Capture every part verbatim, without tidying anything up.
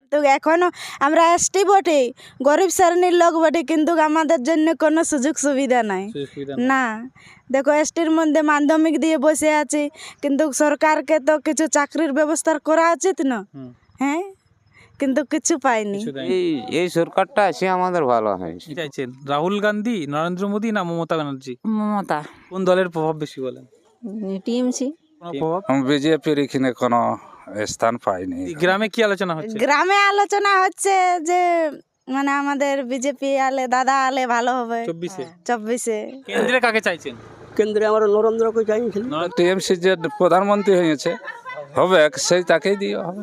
তো এখনো আমরা এসটি বটে, গরিব শ্রেণীর লোক বটে, কিন্তু আমাদের জন্য কোনো সুযোগ সুবিধা নাই। সুযোগ সুবিধা না, দেখো এসটির মধ্যে মাধ্যমিক দিয়ে বসে আছি, কিন্তু সরকারকে তো কিছু চাকরির ব্যবস্থা করা উচিত না। হুম। হ্যাঁ, কিন্তু কিছু পাইনি। কিছু দেয়নি। এই এই সরকারটা আছে আমাদের ভালো হয়েছে। কি চাইছেন, রাহুল গান্ধী, নরেন্দ্র মোদী না মমতা ব্যানার্জি? মমতা কোন দলের প্রভাব বেশি বলেন? টিএমসি। কোনো প্রভাব? বিজেপির এখানে কোনো স্থান পাইনি। এই গ্রামে কি আলোচনা হচ্ছে? গ্রামে আলোচনা হচ্ছে যে মানে আমাদের বিজেপি আলে, দাদা আলে ভালো হবে চব্বিশে চব্বিশে। কেন্দ্রে কাকে চাইছেন? কেন্দ্রে আমরা নরেন্দ্রকে চাইছিল। টিএমসি যে প্রধানমন্ত্রী হয়েছে হবে সেই তাকেই দিয়ে হবে।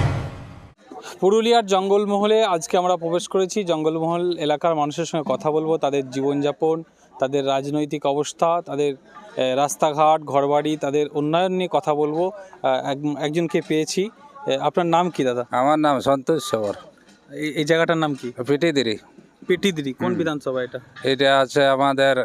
পুরুলিয়ার জঙ্গলমহলে আজকে আমরা প্রবেশ করেছি। জঙ্গলমহল এলাকার মানুষের সঙ্গে কথা বলবো, তাদের জীবনযাপন, তাদের রাজনৈতিক অবস্থা, তাদের আহ, রাস্তাঘাট, ঘরবাড়ি, তাদের উন্নয়ন নিয়ে কথা বলবো। আহ, এক- একজনকে পেয়েছি। আহ, আপনার নাম কি দাদা? আমার নাম সন্তোষ সবর, এই- এই জায়গাটার নাম কি? পিটিদিরি। পেটিদিরি। কোন বিধানসভা এটা? এটা আছে আমাদের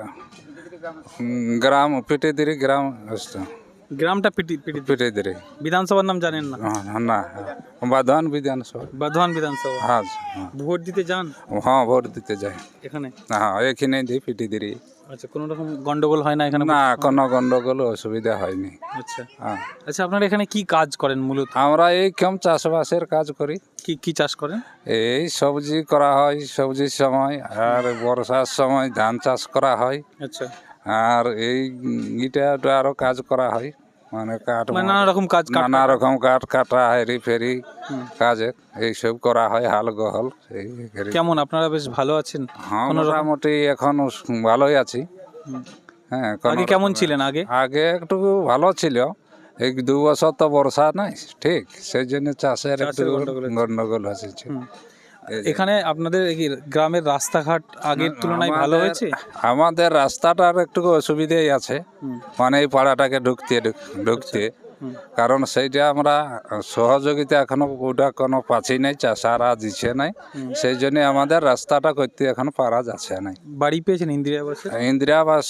উম, গ্রাম পিটিদিরি গ্রাম। গ্রামটা পিটি পিটি পিটিদিরি বিধানসভার নাম জানেন না? না, বাধান বিধানসভা। বাধওয়ান বিধানসভা। হ্যাঁ ভোট দিতে যান হ্যাঁ, ভোট দিতে যাই। এখানে? হ্যাঁ, এখানে দিই পিটিদিরি। আচ্ছা, কোনো রকম গন্ডগোল হয় না এখানে? না, কোনো গন্ডগোল অসুবিধা হয়নি। আচ্ছা হ্যাঁ, আচ্ছা, আপনারা এখানে কি কাজ করেন মূলত? আমরা এই কম চাষবাসের কাজ করি। কি কি চাষ করেন? এই সবজি করা হয় সবজির সময়, আর বর্ষার সময় ধান চাষ করা হয়, আচ্ছা, আর এই ইটা আরো কাজ করা হয়, মানে কাঠ মানে নানা রকম কাজ কাট- নানা রকম কাঠ কাটা হেরি ফেরি হুম। কাজে এইসব করা হয়, হাল গহল এই হেরি। কেমন আপনারা বেশ ভালো আছেন? হ্যাঁ, কোনো রকম- মোটামুটি এখন ভালোই আছি। হুম। হ্যাঁ, কোনো আগে কেমন রকমের- ছিলেন আগে? আগে একটু ভালো ছিল, এই দু বছর তো বর্ষা নাই ঠিক, সেই জন্য চাষের একটু চাষের গন্ডগোল হচ্ছে। গন্ডগোল হয়েছে। হুম। এখানে আপনাদের এই গ্রামের রাস্তাঘাট আগের তুলনায় ভালো আমাদের- হয়েছে? আমাদের রাস্তাটার একটু অসুবিধাই আছে, হুম। মানে এই পাড়াটাকে ঢুকতে ঢুক- ঢুকতে হুম। কারণ সেইটা আমরা সহযোগিতা এখনো ওটা কোনো পাচ্ছি নাই, চাষারা দিচ্ছে নাই, সেই জন্য আমাদের রাস্তাটা করতে এখন পারা যাচ্ছে নাই। বাড়ি পেয়েছেন ইন্দিরা আবাসে? ইন্দিরা আবাস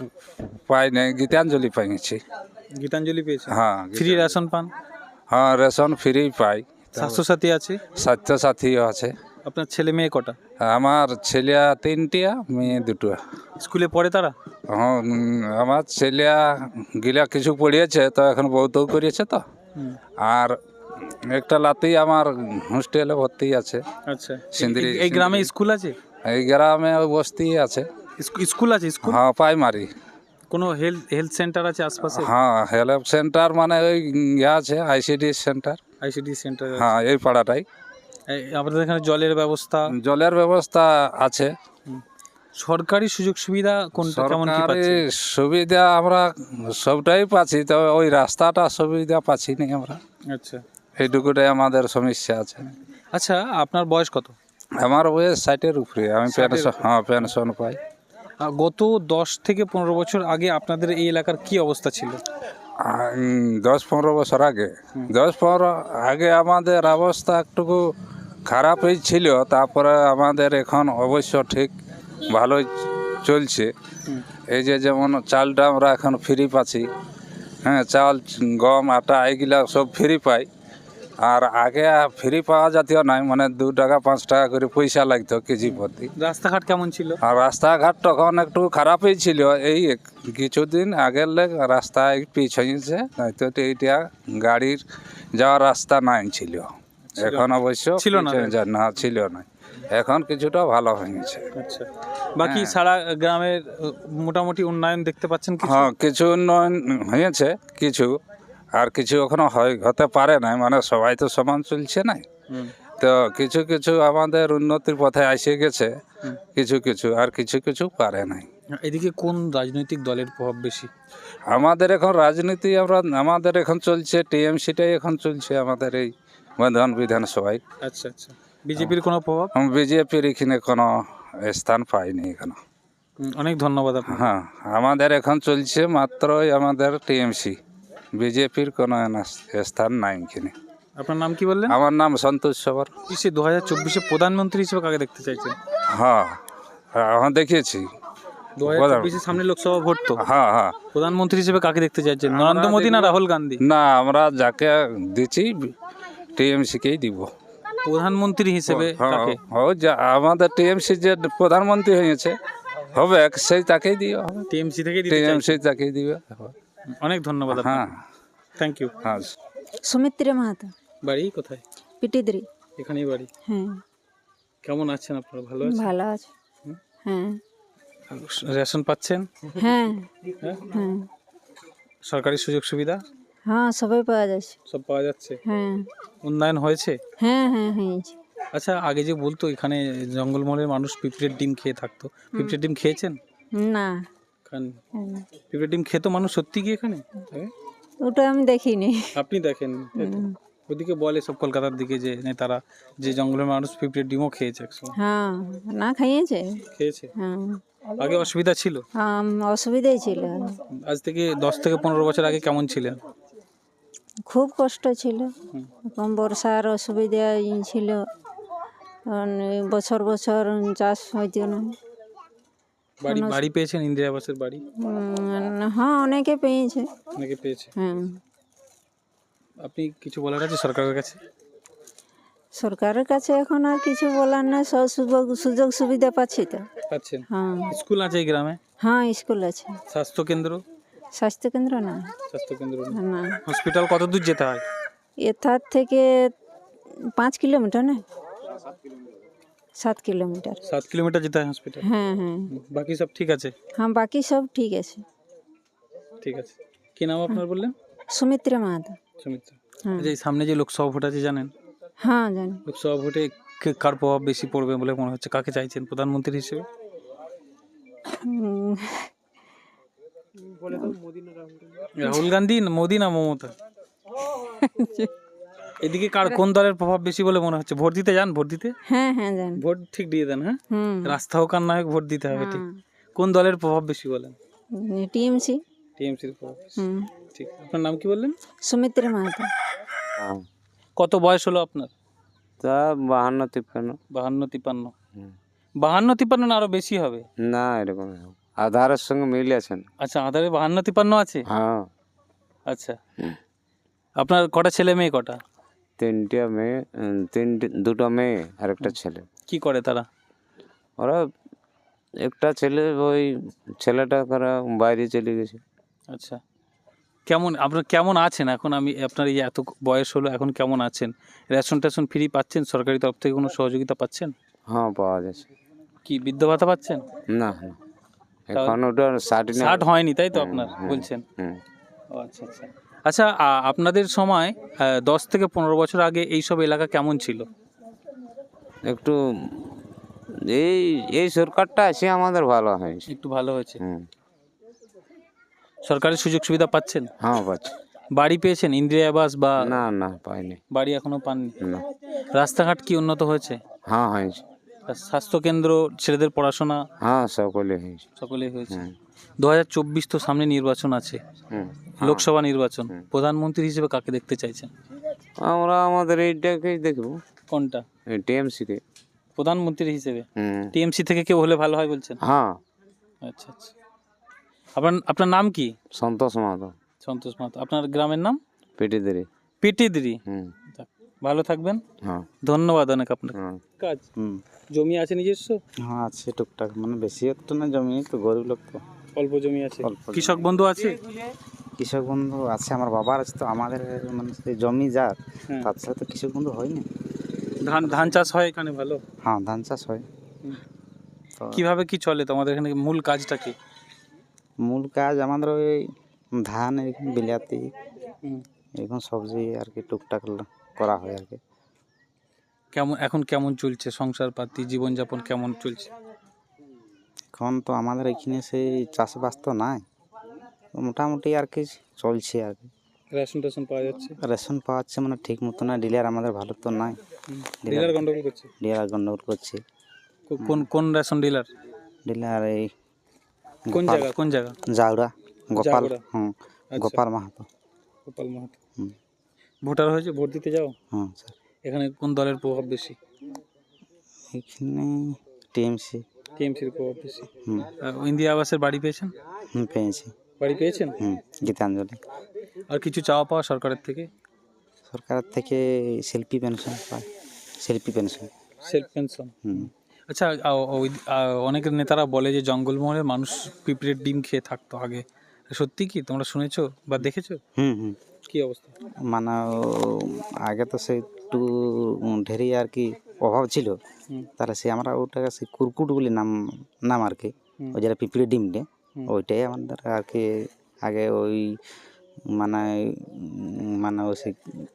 পাই নাই, গীতাঞ্জলি পাইছি। গীতাঞ্জলি পেয়েছেন? হ্যাঁ, ফ্রি রেশন পান? হ্যাঁ, রেশন ফ্রি পাই, স্বাস্থ্যসাথী আছে? স্বাস্থ্যসাথীও আছে। আপনার ছেলে মেয়ে কটা? আমার ছেলে তিনটিয়া, মেয়ে দুটো। স্কুলে পড়ে তারা? হ্যাঁ, উম, আমার ছেলে গিলা কিছু পড়িয়েছে, তো এখন বউতেও করিয়েছে তো, হুম। আর একটা লাতি আমার হোস্টেলে ভর্তি আছে। আচ্ছা, সিন্দ্রি এই- এই গ্রামে স্কুল আছে? এই গ্রামে ওই বস্তি আছে। স্কু- স্কুল আছে? স্কুল? হ্যাঁ, প্রাইমারি। কোনো হেলথ হেলথ সেন্টার আছে আশপাশে? হ্যাঁ, হেল্প সেন্টার মানে ওই ইয়ে আছে, আইসিডি সেন্টার। ICD centre? হ্যাঁ, এই পাড়াটাই। আপনাদের এখানে জলের ব্যবস্থা? জলের ব্যবস্থা আছে। সরকারি সুযোগ সুবিধা কোনটা, কেমন কি সরকারি পাচ্ছেন? সুবিধা আমরা সবটাই পাচ্ছি, তবে ওই রাস্তাটা সুবিধা পাচ্ছি না আমরা, আচ্ছা এইটুকুটাই আমাদের সমস্যা আছে। আচ্ছা, আপনার বয়স কত? আমার বয়স ষাটের উপরে, আমি পেনশন, হ্যাঁ পেনশন পাই। আহ, গত দশ থেকে পনেরো বছর আগে আপনাদের এই এলাকার কি অবস্থা ছিল? আর, উম, দশ পনেরো বছর আগে দশ পনেরো আগে আমাদের অবস্থা একটু খারাপই ছিল, তারপরে আমাদের এখন অবশ্য ঠিক ভালোই চলছে। এই যে যেমন চালটা আমরা এখন ফ্রি পাচ্ছি, হ্যাঁ, চাল গম আটা এইগুলা সব ফ্রি পাই। আর আগে ফ্রি পাওয়া জাতীয় নাই, মানে দু টাকা পাঁচ টাকা করে পয়সা লাগতো কেজি প্রতি। রাস্তাঘাট কেমন ছিল? আর রাস্তাঘাট তখন একটু খারাপই ছিল, এই এক- কিছুদিন আগের লেগ রাস্তায় পিচ হয়েছে, নয়তো তো এইটা গাড়ির যাওয়ার রাস্তা নাই ছিল। এখন অবশ্য ছিল না? পিচ হয়ে যায়- না ছিল না, এখন কিছুটা ভালো হয়েছে। আচ্ছা, বাকি সারা গ্রামের আহ, মোটামুটি উন্নয়ন দেখতে পাচ্ছেন কিছু? হ্যাঁ, কিছু উন্নয়ন হয়েছে কিছু, আর কিছু এখনো হয় হতে পারে না, মানে সবাই তো সমান চলছে না, হুম। তো কিছু কিছু আমাদের উন্নতির পথে এসে গেছে, কিছু কিছু, আর কিছু কিছু পারে নাই। এদিকে কোন রাজনৈতিক দলের প্রভাব বেশি? আমাদের এখন রাজনীতি আমরা আমাদের এখন চলছে টিএমসিটাই এখন চলছে আমাদের এই বর্ধমান বিধানসভায়। আচ্ছা আচ্ছা, বিজেপির কোনো প্রভাব? বিজেপির এখানে কোনো স্থান পাইনি এখনো। হুম, অনেক ধন্যবাদ আপনার। হ্যাঁ, আমাদের এখন চলছে মাত্রই আমাদের টিএমসি, বিজেপির কোনো এনা- স্থান নাই এখানে। আপনার নাম কি বললেন? আমার নাম সন্তোষ সবর। সে দু হাজার চব্বিশে প্রধানমন্ত্রী হিসেবে কাকে দেখতে চাইছেন? হ্যাঁ, হ্যাঁ দেখিয়েছি। দু হাজার চব্বিশের সামনে লোকসভা ভোট তো, হ্যাঁ হ্যাঁ, প্রধানমন্ত্রী হিসেবে কাকে দেখতে চাইছেন? নরেন্দ্র মোদী না রাহুল গান্ধী? না আমরা যাকে দিচ্ছি টিএমসিকেই দিব। প্রধানমন্ত্রী হিসেবে হ্যাঁ, কাকে? ও যা আমাদের টিএমসি যে প্রধানমন্ত্রী হয়েছে হবে সেই তাকেই দিও হবে টিএমসি থেকে দিতে টিএমসি চাইছেন? তাকেই দিবে অনেক ধন্যবাদ হ্যাঁ থ্যাংক ইউ। হ্যাঁ সুমিত্রা মাহাতো, বাড়ি কোথায়? পিটিদ্রি। এখানেই বাড়ি। হ্যাঁ, কেমন আছেন আপনারা? ভালো আছেন? ভালো আছে। হ্যাঁ রেশন পাচ্ছেন? হ্যাঁ হ্যাঁ? হ্যাঁ সরকারি সুযোগ সুবিধা হ্যাঁ, সবাই পাওয়া যাচ্ছে। সব পাওয়া যাচ্ছে? হ্যাঁ উন্নয়ন হয়েছে? হ্যাঁ হ্যাঁ হয়েছে। আচ্ছা, আগে যে বলতো এখানে জঙ্গলমহলের মানুষ পিঁপড়ের ডিম খেয়ে থাকতো, পিঁপড়ের ডিম খেয়েছেন? না, খান। হুম, পিঁপড়ের ডিম খেতো মানুষ সত্যি কি এখানে? আগে? ওটা আমি দেখিনি। আপনি দেখেন? ওদিকে বলে সব কলকাতার দিকে যে নেতারা যে জঙ্গলের মানুষ পিঁপড়ের ডিমও খেয়েছে একসময়। হ্যাঁ, না খাইয়েছে। খেয়েছে? হ্যাঁ, আগে অসুবিধা ছিল? আম, অসুবিধাই ছিল। আজ থেকে দশ থেকে পনেরো বছর আগে কেমন ছিলেন? খুব কষ্ট ছিল। এখন বর্ষার অসুবিধা ছিল, কারণ এই বছর বছর চাষ হইতো না। বাড়ি বাড়ি পেয়েছেন? ইন্দিরা আবাসের বাড়ি উম, হ্যাঁ, অনেকে পেয়েছে। অনেকে পেয়েছে। হ্যাঁ, আপনি কিছু বলার আছে সরকারের কাছে? সরকারের কাছে এখন আর কিছু বলার না, সব সুযোগ সুযোগ সুবিধা পাচ্ছি তো। পাচ্ছেন? হ্যাঁ স্কুল আছে এই গ্রামে? হ্যাঁ, স্কুল আছে। স্বাস্থ্য কেন্দ্র? স্বাস্থ্য কেন্দ্র না, স্বাস্থ্য কেন্দ্র নেই। না, হসপিটাল কত দূর যেতে হয়? এথার থেকে পাঁচ কিলোমিটার না, সাত কিলোমিটার। সাত কিলোমিটার যেতে হয় হসপিটাল। হ্যাঁ হ্যাঁ বাকি সব ঠিক আছে? হ্যাঁ, বাকি সব ঠিক আছে। ঠিক আছে। কি নাম আপনার বললেন? সুমিত্রা মাহাতো। সুমিত্রা। হ্যাঁ আচ্ছা, এই সামনে যে লোকসভা ভোট আছে জানেন? হ্যাঁ জানি। লোকসভা ভোটে কে- কার প্রভাব বেশি পড়বে বলে মনে হচ্ছে? কাকে চাইছেন প্রধানমন্ত্রী হিসেবে? উম, রাহুল গান্ধী, না মোদি, না মমতা? এদিকে কার কোন দলের প্রভাব বেশি বলে মনে হচ্ছে? ভোট দিতে যান? ভোট দিতে হ্যাঁ হ্যাঁ জানি। ভোট ঠিক দিয়ে দেন? হ্যাঁ, হুম, রাস্তা হোক আর না হোক ভোট দিতে হবে। ঠিক। হ্যাঁ। কোন দলের প্রভাব বেশি বলেন? টিএমসি। টিএমসির প্রভাব বেশি। হুম, ঠিক। আপনার নাম কি বললেন? সুমিত্রা মাহাতো। হ্যাঁ, কত বয়স হলো আপনার? তা বাহান্ন তিপ্পান্ন। বাহান্ন তিপ্পান্ন? হুম। বাহান্ন তিপ্পান্ন না আরো বেশি হবে? না, এরকম এরকম। আধারের সঙ্গে মিল আছেন। আচ্ছা, আধারে বাহান্ন তিপ্পান্ন আছে? হ্যাঁ, আচ্ছা। আপনার কটা ছেলে মেয়ে কটা? তিনটা মেয়ে, উম, তিনটে দুটো মেয়ে আর একটা ছেলে। কি করে তারা? ওরা একটা ছেলে, ওই ছেলেটা করা বাইরে চলে গেছে। আচ্ছা। কেমন আপনার কেমন আছেন এখন? আমি আপনার এই এত বয়স হলো, এখন কেমন আছেন? রেশন টেশন ফ্রি পাচ্ছেন? সরকারি তরফ থেকে কোনো সহযোগিতা পাচ্ছেন? হ্যাঁ, পাওয়া যাচ্ছে। কি বৃদ্ধ ভাতা পাচ্ছেন? না না, এখন ওটা ষাট না। ষাট হয়নি তাই তো আপনার বলছেন? হুম। ও আচ্ছা আচ্ছা। আচ্ছা, আ- আপনাদের সময় আহ, দশ থেকে পনেরো বছর আগে এই সব এলাকা কেমন ছিল? একটু এই এই সরকারটা আছে আমাদের ভালো হয়েছে। একটু ভালো হয়েছে? হুম। সরকারি সুযোগ সুবিধা পাচ্ছেন? হ্যাঁ, পাচ্ছি। বাড়ি পেয়েছেন? ইন্দিরা আবাস বা না না, পাইনি। বাড়ি এখনো পাননি? না। রাস্তাঘাট কি উন্নত হয়েছে? হ্যাঁ, হয়েছে। আর স্বাস্থ্য কেন্দ্র, ছেলেদের পড়াশোনা হ্যাঁ, সকলে হয়েছে। সকলেই হয়েছে? হুম। দু হাজার চব্বিশ তো সামনে নির্বাচন আছে, হুম। লোকসভা নির্বাচন। প্রধানমন্ত্রী হিসেবে কাকে দেখতে চাইছেন? আমরা আমাদের এইটাকেই দেখবো, কোনটা? এই টিএমসিকে। প্রধানমন্ত্রী হিসেবে হুম। টিএমসি থেকে কেউ হলে ভালো হয় বলছেন? হ্যাঁ, আচ্ছা আচ্ছা। আপনার আপনার নাম কি? সন্তোষ মাহাতো, সন্তোষ মাহাতো। আপনার গ্রামের নাম? পেটিদেরি। পিটিদিরি। হুম। যাক, ভালো থাকবেন। হ্যাঁ। ধন্যবাদ অনেক আপনাকে। হ্যাঁ। কাজ হুম, জমি আছে নিজস্ব? হ্যাঁ আছে টুকটাক, মানে বেশি একটা না জমি, তো গরিব লোক তো। অল্প জমি আছে? অল্প জমি। কৃষক বন্ধু আছে? কৃষক বন্ধু আছে, আমার বাবার আছে, তো আমাদের মানে সেই জমি যার, হ্যাঁ। তার সাথে তো কৃষক বন্ধু হয়নি। ধান ধান চাষ হয় এখানে ভালো? হ্যাঁ, ধান চাষ হয়। তো কিভাবে কি চলে তোমাদের এখানে? মূল কাজটা কি? মূল কাজ আমাদের ওই ধান, এরকম বিলাতি, হুম। এরকম সবজি আর কি টুকটাক ল- করা হয় আর কি। কেমন এখন কেমন চলছে সংসার পাতি, জীবনযাপন কেমন চলছে? এখন তো আমাদের এখানে সেই চাষবাস তো নাই, তো মোটামুটি আর কি চলছে আর কি। রেশন টেশন পাওয়া যাচ্ছে? রেশন পাওয়াচ্ছে মানে ঠিক মতো না, ডিলার আমাদের ভালো তো নাই, ডিলার গন্ডগোল করছে? ডিলার গন্ডগোল করছে। কো- কোন কোন রেশন ডিলার? ডিলার এই কোন গোপাল- জায়গা কোন জায়গা? জাউরা গোপাল, জাউরা। হুম, আচ্ছা। গোপাল মাহাতো। গোপাল মাহাতো। হুম। ভোটার হয়েছে, ভোট দিতে যাও? হুম স্যার, এখানে কোন দলের প্রভাব বেশি? এখানে টিএমসি। টিএমসির প্রভাব বেশি। হুম আহ, ইন্দিরা আবাসের বাড়ি পেয়েছেন? হুম পেয়েছি। বাড়ি পেয়েছেন? হুম, গীতাঞ্জলি। আর কিছু চাওয়া পাওয়া সরকারের থেকে? সরকার থেকে শিল্পী পেনশন পায়। Selfie pension. Self pension. হুম। আচ্ছা, আ- ওই আ- অনেক নেতারা বলে যে জঙ্গলমহলে মানুষ পিঁপড়ের ডিম খেয়ে থাকতো আগে, সত্যি কি তোমরা শুনেছো বা দেখেছো? হুম হুম কি অবস্থা? মানে ও আগে তো সে একটু ঢেরি আর কি অভাব ছিল, হুম। তাহলে সে আমরা ওটাকে সে কুরকুট বলে নাম নাম আর কি, হুম। ওই যেটা পিঁপড়ে ডিমটে হুম। ওইটাই আমাদের আর কি আগে ওই মানে উম, মানে ওই সে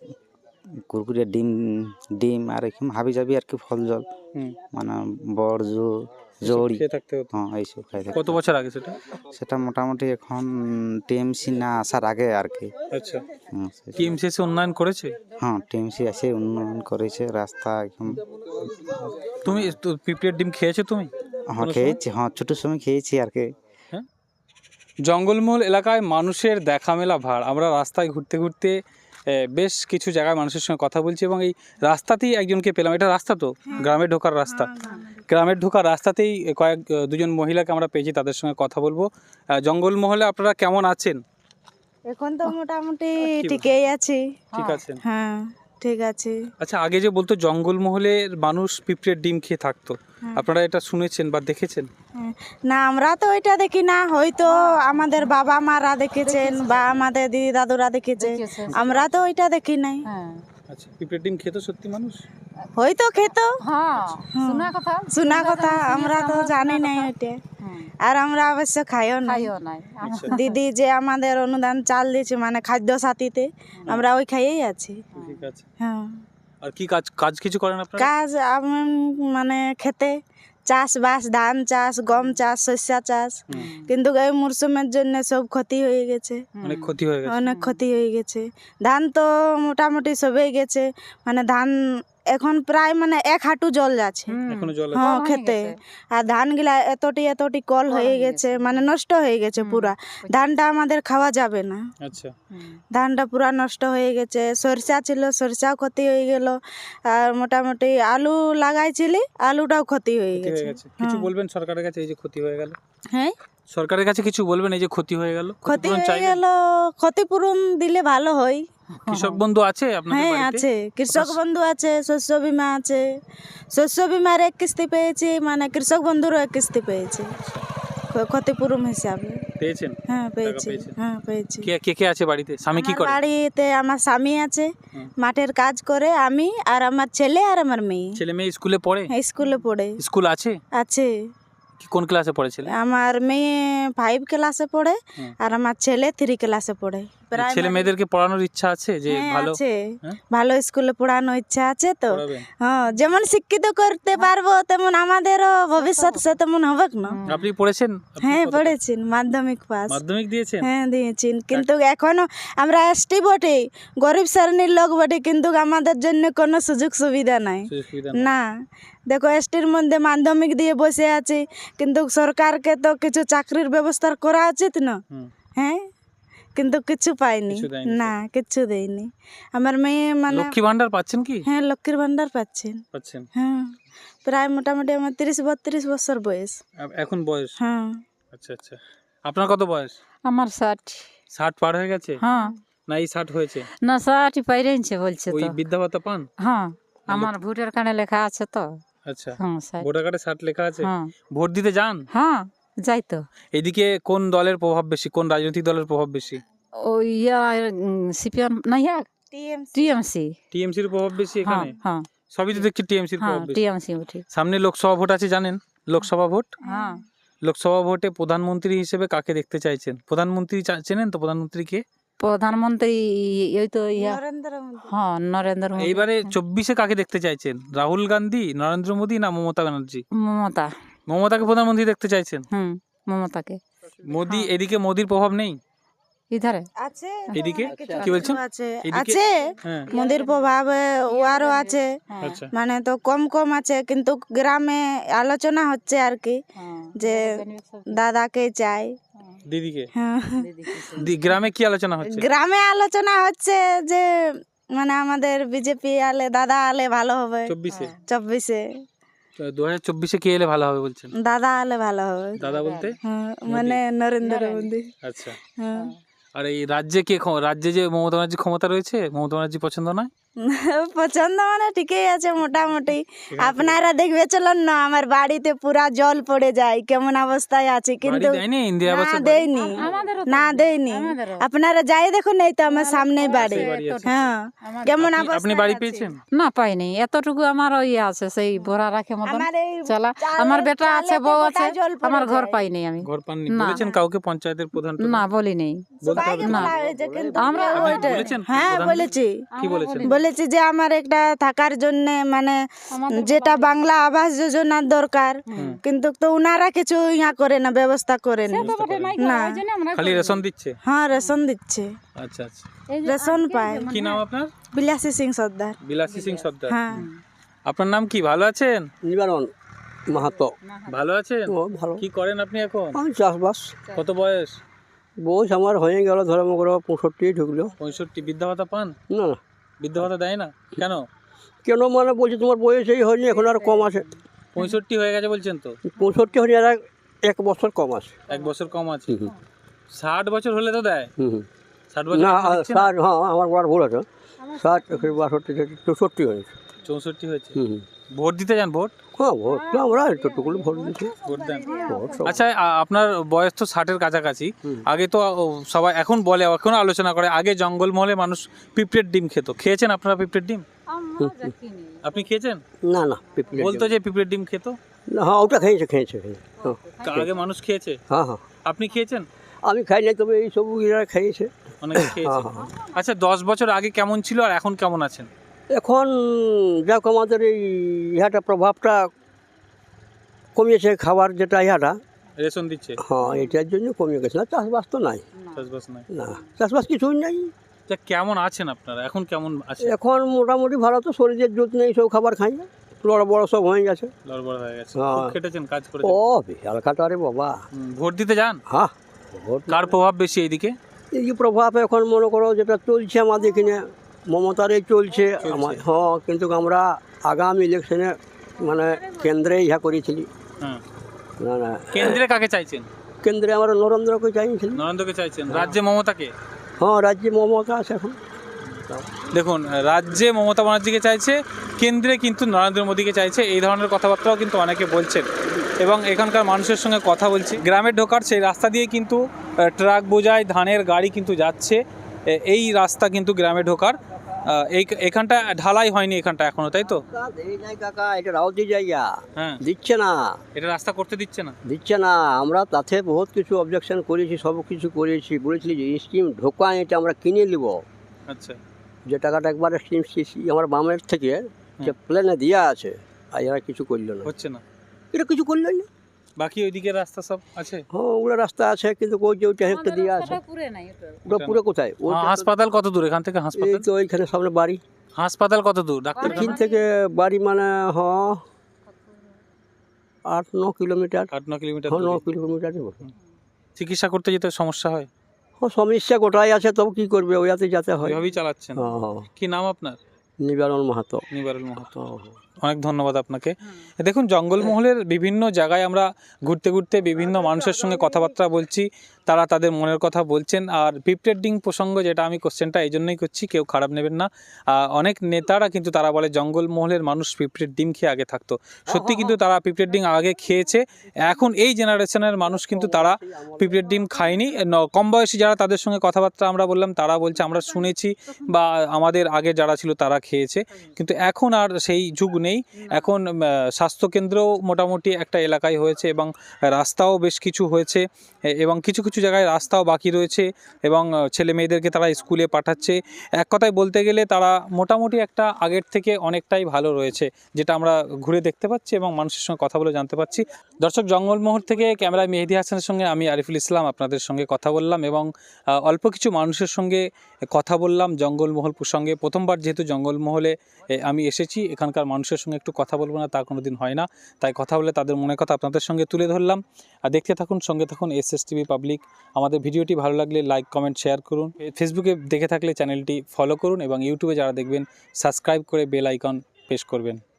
কুরকুরে ডিম ডিম আর এরকম হাবি যাবি আর কি ফল জল হুম। মানে বড় জো এসব জড়ি, খেয়ে থাকতে হতো। হ্যাঁ এইসব খাই থাকে। কত বছর আগে সেটা? সেটা মোটামুটি এখন টিএমসি না আসার আগে আর কি। আচ্ছা, হুম, সে- টিএমসিএস উন্নয়ন করেছে? হ্যাঁ টিএমসি আসে উন্নয়ন করেছে রাস্তা একদম। তুমি তো পিঁপড়ের ডিম খেয়েছো তুমি? হ্যাঁ কোনো সময়? খেয়েছি, হ্যাঁ ছোটোর সময় খেয়েছি আর কি। হ্যাঁ। জঙ্গলমহল এলাকায় মানুষের দেখা মেলা ভার। আমরা রাস্তায় ঘুরতে ঘুরতে এ, বেশ কিছু জায়গায় মানুষের সঙ্গে কথা বলছি এবং এই রাস্তাতেই একজনকে পেলাম। এটা রাস্তা তো গ্রামে ঢোকার রাস্তা, গ্রামের ঢোকার রাস্তাতেই কয়েক দুজন মহিলাকে আমরা পেয়েছি, তাদের সঙ্গে কথা বলবো। আহ, জঙ্গলমহলে আপনারা কেমন আছেন? এখন তো মোটামুটি কি ঠিকই আছি। ঠিক আছেন? হ্যাঁ ঠিক আছে। আচ্ছা, আগে যে বলতো জঙ্গলমহলের মানুষ পিঁপড়ের ডিম খেয়ে থাকতো, আপনারা এটা শুনেছেন বা দেখেছেন? হ্যাঁ। না আমরা তো ওইটা দেখি না, হয়তো আমাদের বাবা মারা দেখেছেন বা আমাদের দিদি দাদুরা দেখেছে, আমরা তো ওইটা দেখি নাই। আচ্ছা, পিঁপড়ের ডিম খেতো সত্যি মানুষ? হয়তো খেত, হ্যাঁ শোনা কথা শোনা কথা, আমরা তো জানি নাই ওইটা, আর আমরা অবশ্য খাইও না। খাইও নাই। দিদি যে আমাদের অনুদান চাল দিয়েছে মানে খাদ্য সাথীতে, আমরা ওই খাইয়েই আছি। ঠিক আছে। হ্যাঁ আর কি কাজ কাজ কিছু করেন আপনারা? কাজ আম- মানে খেতে চাষবাস, ধান চাষ, গম চাষ, শস্য চাষ, কিন্তু এই মরশুমের জন্য সব ক্ষতি হয়ে গেছে, অনেক ক্ষতি হয়ে গেছে। অনেক ক্ষতি হয়ে গেছে। ধান তো মোটামুটি সবেই গেছে, মানে ধান এখন প্রায় মানে এক হাঁটু জল যাচ্ছে। এখনো জল আছে? হ্যাঁ খেতে, আর ধান গুলা এতটি এতটি কল হয়ে গেছে, মানে নষ্ট হয়ে গেছে পুরা। ধানটা আমাদের খাওয়া যাবে না, আচ্ছা, ধানটা পুরা নষ্ট হয়ে গেছে। সরষা ছিল, সরষাও ক্ষতি হয়ে গেল, আর মোটামুটি আলু লাগাইছিলি, আলুটাও ক্ষতি হয়ে ক্ষতি হয়ে গেছে। গেছে। কিছু বলবেন সরকারের কাছে এই যে ক্ষতি হয়ে গেল? হ্যাঁ সরকারের কাছে কিছু বলবেন এই যে ক্ষতি হয়ে গেল? ক্ষতি ক্ষতিপূরণ হয়ে চাইবেন? গেল, ক্ষতিপূরণ দিলে ভালো হয়। কৃষক বন্ধু আছে আপনাদের হ্যাঁ বাড়িতে? আছে, কৃষক বন্ধু আছে, শস্য বিমা আছে। শস্য বিমার এক কিস্তি পেয়েছি, মানে কৃষক বন্ধুরও এক কিস্তি পেয়েছি ক্ষ- ক্ষতিপূরণ হিসাবে। পেয়েছেন? হ্যাঁ পেয়েছি, পেয়েছেন? হ্যাঁ পেয়েছি। কে কে কে আছে বাড়িতে? স্বামী কি আমার করে? বাড়িতে আমার স্বামী আছে, হুম। মাঠের কাজ করে, আমি আর আমার ছেলে আর আমার মেয়ে ছেলে মেয়ে স্কুলে পড়ে? হ্যাঁ, স্কুলে পড়ে। স্কুল আছে? আছে, কি কোন ক্লাসে পড়ে ছেলে? আমার মেয়ে ফাইভ ক্লাসে পড়ে হুম। আর আমার ছেলে থ্রি ক্লাসে পড়ে। ছেলে মেয়েদেরকে পড়ানোর ইচ্ছা আছে যে হ্যাঁ, ভালো আছে, হ্যাঁ? ভালো স্কুলে পড়ানোর ইচ্ছা আছে তো। পড়াবেন? হ্যাঁ যেমন শিক্ষিত করতে পারবো তেমন আমাদেরও ভবিষ্যৎ সে তেমন হবে না। আপনি পড়েছেন? আপনি হ্যাঁ কতটা? পড়েছি, মাধ্যমিক পাস। মাধ্যমিক দিয়েছেন? হ্যাঁ দিয়েছি, কিন্তু এখনো আমরা এসটি বটে, গরিব শ্রেণীর লোক বটে, কিন্তু আমাদের জন্য কোনো সুযোগ সুবিধা নাই। সুযোগ সুবিধা নেই। না দেখো এসটির মধ্যে মাধ্যমিক দিয়ে বসে আছি, কিন্তু সরকারকে তো কিছু চাকরির ব্যবস্থা করা উচিত না। হুম। হ্যাঁ কিন্তু কিছু পাইনি, কিছু দেয়নি না কিছু দেয়নি। আমার মেয়ে মানে লক্ষ্মী ভান্ডার পাচ্ছেন কি? হ্যাঁ লক্ষ্মীর ভান্ডার পাচ্ছেন। পাচ্ছেন। হ্যাঁ প্রায় মোটামুটি আমার তিরিশ বত্রিশ বছর বয়স। আ- এখন বয়স? হ্যাঁ আচ্ছা আচ্ছা। আপনার কত বয়স? আমার ষাট। ষাট পার হয়ে গেছে হ্যাঁ না এই ষাট হয়েছে? না ষাটই পাইরেছে বলছে ওই তো। বৃদ্ধা ভাতা পান? হ্যাঁ আমার ভোটার কার্ডে লেখা আছে তো। আচ্ছা, হ্যাঁ ষাট। ভোটার কার্ডে ষাট লেখা আছে? হ্যাঁ ভোট দিতে যান? হ্যাঁ যাই তো। এদিকে কোন দলের প্রভাব বেশি, কোন রাজনৈতিক দলের প্রভাব বেশি? ওই ইয়া সিপিএম না ইয়া টিএমসি। টিএমসির প্রভাব বেশি হ্যাঁ এখানে? হ্যাঁ সবই তো দেখছি টিএমসির হ্যাঁ প্রভাব বেশি। টিএমসি উঠি। সামনে লোকসভা ভোট আছে জানেন? লোকসভা ভোট, হ্যাঁ লোকসভা ভোটে প্রধানমন্ত্রী হিসেবে কাকে দেখতে চাইছেন? প্রধানমন্ত্রী চা- চেনেন তো প্রধানমন্ত্রীকে? প্রধানমন্ত্রী ওই তো ইয়া নরেন্দ্র মোদী। হ্যাঁ নরেন্দ্র মোদী। এইবারে চব্বিশে কাকে দেখতে চাইছেন? রাহুল গান্ধী, নরেন্দ্র মোদী না মমতা ব্যানার্জি? মমতা। মমতাকে প্রধানমন্ত্রী দেখতে চাইছেন? হুম মমতাকে। মোদি, এদিকে মোদির প্রভাব নেই? ইধারে আছে এদিকে কিছু কি বলছেন? কিছু আছে, এদিকে? আছে হ্যাঁ, মোদির প্রভাব ওয়ারও আছে, আচ্ছা। মানে তো কম কম আছে, কিন্তু গ্রামে আলোচনা হচ্ছে আর কি যে দাদাকে চাই। দিদিকে? হ্যাঁ দি- গ্রামে কি আলোচনা হচ্ছে? গ্রামে আলোচনা হচ্ছে যে মানে আমাদের বিজেপি আলে দাদা আলে ভালো হবে। চব্বিশে? চব্বিশে দু হাজার চব্বিশে কে এলে ভালো হবে বলছেন? দাদা আলে ভালো হবে। দাদা বলতে? হ্যাঁ, মানে নরেন্দ্র মোদী। আচ্ছা। হ্যাঁ আর এই রাজ্যে কে ক্ষম- রাজ্যে যে মমতা ব্যানার্জি ক্ষমতা রয়েছে, মমতা ব্যানার্জি পছন্দ নয়? পছন্দ মানে ঠিকই আছে মোটামুটি। আপনারা দেখবে চলুন না, আমার বাড়িতে পুরা জল পড়ে যায়, কেমন অবস্থায় আছে, কিন্তু বাড়ি দেয়নি ইন্দিরা না আবাসের বাড়ি? দেয়নি, না দেয়নি। আপনারা যাই দেখুন, এই তো আমার সামনেই বাড়ি। হ্যাঁ, কেমন আপনি- অবস্থা আপনি বাড়ি পেয়েছেন? না পাইনি, এতটুকু আমার ওই আছে সেই ভরা রাখে মতন আমার এই চালা। চালে- আমার বেটা আছে, চালেতে বউ গোটা আছে, জল পড়ে আমার ঘর যায়। পাইনি আমি। ঘর পাননি? না। বলেছেন কাউকে, পঞ্চায়েতের প্রধান টধান? না বলি নেই। বলতে হবে সবাইকে তো। বলা হয়েছে, কিন্তু আমরা কেউ আপনি ওইটা- বলেছেন হ্যাঁ প্রধানকে? বলেছি, কি বলেছেন? বলেছি যে আমার একটা থাকার জন্য মানে যেটা বাংলা আবাস যোজনার দরকার, কিন্তু তো উনারা কিছু ইয়া করে না, ব্যবস্থা করেন না। খালি রেশন দিচ্ছে? হ্যাঁ রেশন দিচ্ছে, আচ্ছা আচ্ছা। রেশন পায়। কি নাম আপনার? বিলাসী সিং সর্দার। বিলাসী সিং সর্দার। হ্যাঁ, আপনার নাম কি? ভালো আছেন? নিবারণ মাহাতো। ভালো আছেন? ও ভালো। কি করেন আপনি এখন? আমি চাষবাস। কত বয়স? বয়স আমার হয়ে গেল ধরো মনে পঁয়ষট্টি ঢুকলো। পঁয়ষট্টি। বৃদ্ধা ভাতা পান? না না, বৃদ্ধা ভাতা দেয় না কেন? কেন মানে বলছি তোমার বয়স এই হয়নি, এখন আর কম আছে। পঁয়ষট্টি হয়ে গেছে বলছেন তো? পঁয়ষট্টি হয়নি, আর এক- এক বছর কম আছে। এক বছর কম আছে। হুম। ষাট বছর হলে তো দেয়। হুম হুম। ষাট বছর না এখনো দিচ্ছে না? ষাট, হ্যাঁ আমার বড় ভুল আছে। ষাট বাষট্টি চৌষট্টি হয়েছে। চৌষট্টি হয়েছে। হুম হুম। ভোট দিতে যান? ভোট হ্যাঁ ভোট তো আমরা এতটুকুলো ভোট দিচ্ছি। ভোট দেন? ভোট সব- আচ্ছা, আ- আপনার বয়স তো ষাটের কাছাকাছি। হুম। আগে তো ও, সবাই এখন বলে, এখন আলোচনা করে, আগে জঙ্গলমহলে মানুষ পিঁপড়ের ডিম খেত। খেয়েছেন আপনারা পিঁপড়ের ডিম? আপনি খেয়েছেন? না না পিপলি বলতো যে পিঁপড়ের ডিম খেত। না, হ্যাঁ ওটা খেয়েছে খেয়েছে খেয়েছে। হ্যাঁ আগে মানুষ খেয়েছে। হ্যাঁ হ্যাঁ, আপনি খেয়েছেন? আমি খাই নাই, তবে এই সব ইরা খেয়েছে। অনেকে খেয়েছে। হ্যাঁ, হ্যাঁ। আচ্ছা, দশ বছর আগে কেমন ছিল আর এখন কেমন আছেন? এখন যাক আমাদের এই ইহাটা প্রভাবটা কমিয়েছে, খাবার যেটা ইহাটা, রেশন দিচ্ছে? হ্যাঁ এটার জন্য কমে গেছে। না চাষবাস তো নাই, চাষবাস নাই। না চাষবাস কিছুই নাই। তা কেমন আছেন আপনারা এখন? কেমন আছেন? এখন মোটামুটি ভালো, তো শরীরের জোট নেই, সব খাবার খাই না, বড় বড় সব হয়ে গেছে। লড়বড় হয়ে গেছে। হ্যাঁ। খুব খেটেছেন, কাজ ও করেছেন। বিশাল কাটারে বাবা। হুম, ভোট দিতে যান? হ্যাঁ ভোট কার প্রভাব বেশি এইদিকে? এই যে প্রভাব এখন মনে করো যেটা চলছে আমাদের এখানে, মমতারই চলছে আমার। হ্যাঁ, কিন্তু আমরা আগামী ইলেকশনে মানে কেন্দ্রে ইহা করেছিলি। হ্যাঁ। না না, কেন্দ্রে কাকে চাইছেন? কেন্দ্রে আমরা নরেন্দ্রকে চাইছিলি। নরেন্দ্রকে চাইছেন? রাজ্যে মমতাকে? হ্যাঁ রাজ্যে মমতা আছে এখন। দেখুন, রাজ্যে মমতা ব্যানার্জিকে চাইছে, কেন্দ্রে কিন্তু নরেন্দ্র মোদীকে চাইছে। এই ধরনের কথাবার্তাও কিন্তু অনেকে বলছেন এবং এখানকার মানুষের সঙ্গে কথা বলছি। গ্রামে ঢোকার সেই রাস্তা দিয়ে কিন্তু আহ, ট্রাক বোঝাই ধানের গাড়ি কিন্তু যাচ্ছে। এ- এই রাস্তা কিন্তু গ্রামে ঢোকার আহ, এই এখানটা ঢালাই হয়নি এখানটা এখনো, তাই তো? এই নাই কাকা, এটা রাউতি জায়গা, হ্যাঁ। দিচ্ছে না এটা রাস্তা করতে দিচ্ছে না? দিচ্ছে না। আমরা তাতে বহুত কিছু অবজেকশন করেছি, সব কিছু করেছি, বলেছিলি যে স্কিম ঢোকা, এটা আমরা কিনে নিব। আচ্ছা। যে টাকাটা একবার স্কিম আমার বামের থেকে যে প্ল্যানে দেওয়া আছে, আর এরা কিছু করলো না। হচ্ছে না? এটা কিছু করলো না। বাকি ওইদিকে রাস্তা সব আছে? হ্যাঁ ওগুলো রাস্তা আছে, কিন্তু ওই যে ওইটা একটা দেওয়া আছে, ওটা পুরো কোথায়? হ্যাঁ, ওইটা তো- হাসপাতাল কত দূর এখান থেকে? এই হাসপাতাল তো ওইখানে সামনে বাড়ি। হাসপাতাল কত দূর? ডাক্তার এখান থেকে বাড়ি মানে হ আট ন কিলোমিটার। আট ন কিলোমিটার হ্যাঁ ন দূরে। কিলোমিটার। চিকিৎসা করতে যেতে সমস্যা হয়? হ্যাঁ সমস্যা গোটাই আছে, তবে কি করবে, ওইয়াতে যেতে হয়। ওইভাবেই চালাচ্ছেন? হ্যাঁ হ্যাঁ, কি নাম আপনার? নিবারণ মাহাতো। নিবারুল মাহাতো। হ্যাঁ, হ্যাঁ। অনেক ধন্যবাদ আপনাকে। দেখুন, জঙ্গলমহলের বিভিন্ন জায়গায় আমরা ঘুরতে ঘুরতে বিভিন্ন মানুষের সঙ্গে কথাবার্তা বলছি, তারা তাদের মনের কথা বলছেন। আর পিঁপড়ের ডিম প্রসঙ্গ, যেটা আমি কোশ্চেনটা এই জন্যই করছি, কেউ খারাপ নেবেন না। আহ, অনেক নেতারা কিন্তু তারা বলে জঙ্গলমহলের মানুষ পিঁপড়ের ডিম খেয়ে আগে থাকতো। সত্যি কিন্তু তারা পিঁপড়ের ডিম আগে খেয়েছে। এখন এই জেনারেশনের মানুষ কিন্তু তারা পিঁপড়ের ডিম খায়নি। ন- কম বয়সী যারা, তাদের সঙ্গে কথাবার্তা আমরা বললাম, তারা বলছে আমরা শুনেছি বা আমাদের আগে যারা ছিল তারা খেয়েছে, কিন্তু এখন আর সেই যুগ নেই। এখন আহ, স্বাস্থ্যকেন্দ্রও মোটামুটি একটা এলাকায় হয়েছে এবং রাস্তাও বেশ কিছু হয়েছে এ- এবং কিছু কিছু জায়গায় রাস্তাও বাকি রয়েছে এবং আহ, ছেলে মেয়েদেরকে তারা স্কুলে পাঠাচ্ছে। এক কথায় বলতে গেলে তারা মোটামুটি একটা আগের থেকে অনেকটাই ভালো রয়েছে, যেটা আমরা ঘুরে দেখতে পাচ্ছি এবং মানুষের সঙ্গে কথা বলে জানতে পারছি। দর্শক, জঙ্গলমহল থেকে ক্যামেরায় মেহেদি হাসানের সঙ্গে আমি আরিফুল ইসলাম আপনাদের সঙ্গে কথা বললাম এবং আহ, অল্প কিছু মানুষের সঙ্গে কথা বললাম জঙ্গলমহল প্রসঙ্গে। প্রথমবার যেহেতু জঙ্গলমহলে এ, আমি এসেছি, এখানকার মানুষের সঙ্গে একটু কথা বলবো না তা কোনো দিন হয় না, তাই কথা বলে তাদের মনের কথা আপনাদের সঙ্গে তুলে ধরলাম। আর দেখতে থাকুন, সঙ্গে থাকুন এস এস টিভি পাবলিক। আমাদের ভিডিওটি ভালো লাগলে লাইক কমেন্ট শেয়ার করুন। ফেসবুকে দেখে থাকলে চ্যানেলটি ফলো করুন এবং ইউটিউবে যারা দেখবেন সাবস্ক্রাইব করে বেল আইকন প্রেস করবেন।